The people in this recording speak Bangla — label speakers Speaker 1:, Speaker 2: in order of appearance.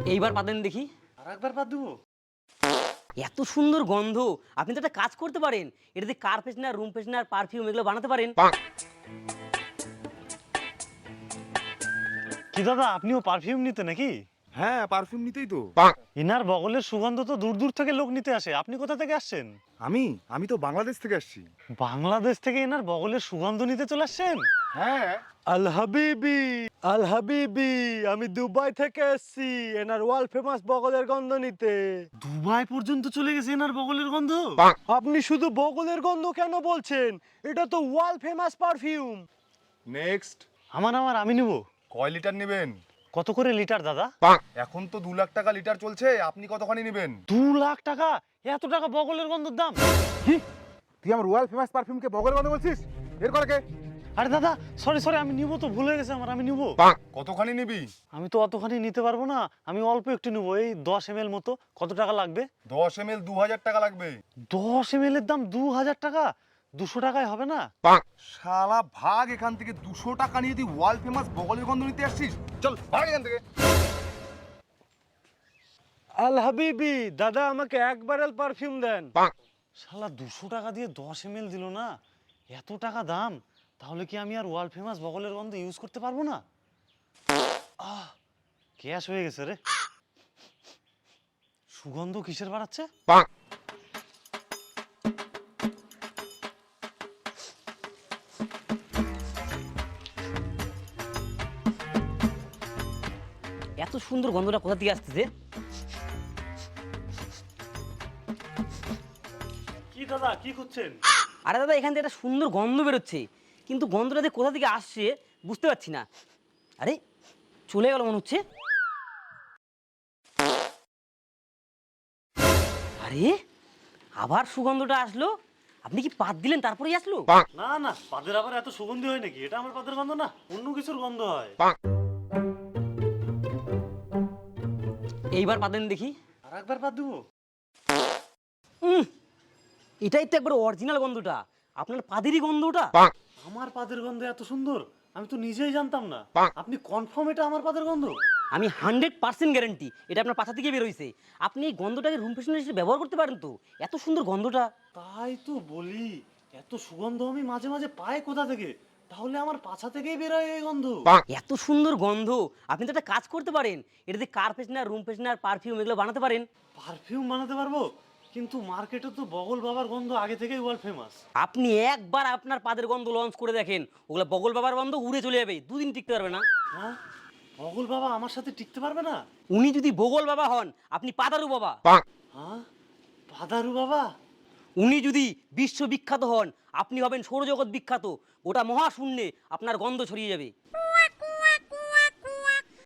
Speaker 1: এইবার পাতেন দেখি।
Speaker 2: আর একবার বাদ দেবো?
Speaker 1: এত সুন্দর গন্ধ, আপনি তো একটা কাজ করতে পারেন, এটা দিয়ে car freshener, room freshener, perfume এগুলো বানাতে পারেন।
Speaker 2: কি দাদা, আপনিও পারফিউম নিতে নাকি?
Speaker 3: হ্যাঁ, পারফিউম নিতেই তো।
Speaker 2: এনার বগলের সুগন্ধ তো দূর দূর থেকে লোক নিতে আসে, আপনি কোথা থেকে আসছেন?
Speaker 3: আমি আমি তো বাংলাদেশ থেকে আসছি।
Speaker 2: বাংলাদেশ থেকে এনার বগলের সুগন্ধ নিতে চলে আসছেন?
Speaker 3: হ্যাঁ।
Speaker 4: আল হাবিবি, আল হাবিবি, আমি দুবাই থেকে এসেছি এনার ওয়ার্ল্ড ফেমাস বগলের গন্ধ নিতে।
Speaker 2: দুবাই পর্যন্ত চলে গেছে এনার বগলের গন্ধ?
Speaker 4: আপনি শুধু বগলের গন্ধ কেন বলছেন? এটা তো ওয়ার্ল্ড ফেমাস পারফিউম।
Speaker 3: নেক্সট।
Speaker 2: আমার আমি নিব।
Speaker 3: কয় লিটার নেবেন?
Speaker 2: কত করে লিটার দাদা?
Speaker 3: এখন তো 2 লাখ টাকা লিটার চলছে, আপনি কতখানি নেবেন?
Speaker 2: 2 লাখ টাকা? এত টাকা বগলের গন্ধের দাম?
Speaker 3: কি? তুই আমার ওয়ার্ল্ড ফেমাস পারফিউমকে বগলের কথা বলছিস? এর করে কে?
Speaker 2: আরে দাদা, সরি আমি নিব তো, ভুলে গেছে আমার, আমি নিব।
Speaker 3: কতখানি নিবি?
Speaker 2: আমি তো অতখানি নিতে পারবো না, আমি অল্প একটু নেবো, এই 10 ml মতো। কত টাকা লাগবে?
Speaker 3: 10 ml 2000 টাকা লাগবে।
Speaker 2: 10 ml এর দাম 2000 টাকা? 200 টাকায় হবে না?
Speaker 3: শালা ভাগ এখান থেকে, 200 টাকা নিয়ে তুই ওয়ার্ল্ড ফেমাস বগলের গন্ধ নিতে আসছিস? চল ভাগ এখান থেকে।
Speaker 4: আল হাবিবি, দাদা আমাকে এক ব্যারেল পারফিউম দেন।
Speaker 2: শালা 200 টাকা দিয়ে 10 ml দিল না, এত টাকা দাম, তাহলে কি আমি আর ওয়ার্ল্ড ফেমাস বগলের গন্ধ ইউজ করতে পারবো না? ক্যাশ হয়ে গেছে রে। সুগন্ধ কিসের বাড়াচ্ছে?
Speaker 1: এত সুন্দর গন্ধটা কোথা থেকে আসতেছে?
Speaker 2: কি দাদা, কি খুঁজছেন?
Speaker 1: আরে দাদা, এখান থেকে একটা সুন্দর গন্ধ বেরোচ্ছে, কিন্তু গন্ধটা যে কোথা থেকে আসছে বুঝতে পারছি না। আরে চলে গেল মনে হচ্ছে। আরে আবার সুগন্ধটা আসলো। আপনি কি পাত দিলেন তারপরেই আসলো?
Speaker 2: না, পাদের আবার এত সুগন্ধি হয় নাকি? এটা আমার পাদের গন্ধ না, অন্য কিছুর গন্ধ হয়।
Speaker 1: এইবার পাতেন দেখি।
Speaker 2: আর একবার বাদ দেবো?
Speaker 1: এটাই তো একবার অরিজিনাল গন্ধটা, আপনার পাদেরই গন্ধটা।
Speaker 2: আমার পাদের গন্ধ এত সুন্দর, আমি তো নিজেই জানতাম না। আপনি কনফার্ম এটা আমার পাদের গন্ধ?
Speaker 1: আমি 100% গ্যারান্টি এটা আপনার পাছা থেকে বেরোইছে। আপনি এই গন্ধটাকে রুম ফ্রেশনার হিসেবে ব্যবহার করতে পারেন তো, এত সুন্দর গন্ধটা।
Speaker 2: তাই তো বলি, এত সুগন্ধ আমি মাঝে মাঝে পাই কোথা থেকে? তাহলে আমার পাছা থেকেই বেরোয় এই গন্ধ।
Speaker 1: এত সুন্দর গন্ধ, আপনি তো একটা কাজ করতে পারেন, এটা দিয়ে car freshener, room freshener, perfume এগুলো বানাতে পারেন।
Speaker 2: পারফিউম বানাতে পারবো? কিন্তু মার্কেটে তো বগল বাবার গন্ধ আগে থেকেই ওয়ার্ল্ড ফেমাস।
Speaker 1: আপনি একবার আপনার পাদের গন্ধ লঞ্চ করে দেখেন, ওগুলো বগল বাবার গন্ধ উড়ে চলে যাবে, দুদিন টিকতে পারবে না।
Speaker 2: হ্যাঁ, বগল বাবা আমার সাথে টিকতে পারবে না?
Speaker 1: উনি যদি বগল বাবা হন, আপনি পাদারু বাবা।
Speaker 2: হ্যাঁ, পাদারু বাবা?
Speaker 1: উনি যদি বিশ্ববিখ্যাত হন, আপনি হবেন সৌরজগৎ বিখ্যাত। ওটা মহাশূন্যে আপনার গন্ধ ছড়িয়ে যাবে।